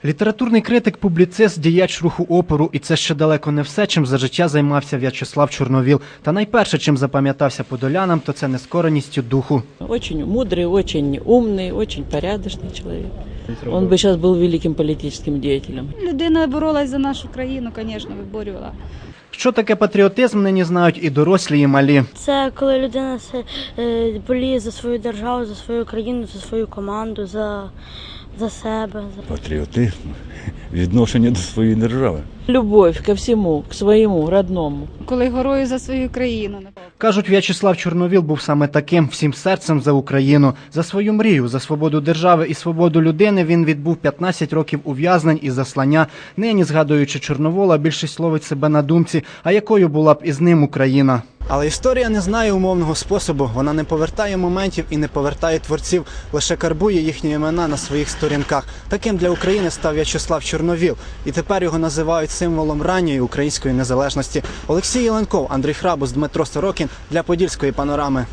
Літературний критик, публіцист, діяч руху опору. І це ще далеко не все, чим за життя займався В'ячеслав Чорновіл. Та найперше, чим запам'ятався подолянам, то це нескореністю духу. Очень мудрый, очень умный, очень порядочный человек. Он бы сейчас был великим политическим деятелем. Людина боролась за нашу країну, звісно, виборювала. Що таке патріотизм, нині знають і дорослі, і малі. Це коли людина боліє за свою державу, за свою країну, за свою команду, за себе. Патріотизм, відношення до своєї держави. Любовь ко всему, к своему, родному. Коли горою за свою країну. Кажуть, В'ячеслав Чорновіл був саме таким, всім серцем за Україну. За свою мрію, за свободу держави і свободу людини він відбув 15 років ув'язнень і заслання. Нині, згадуючи Чорновола, більшість ловить себе на думці, а якою була б із ним Україна. Але історія не знає умовного способу, вона не повертає моментів і не повертає творців, лише карбує їхні імена на своїх сторінках. Таким для України став В'ячеслав Чорновіл, і тепер його називають символом ранньої української незалежності. Олексій Єленков, Андрій Храбус, Дмитро Сорокін для Подільської панорами.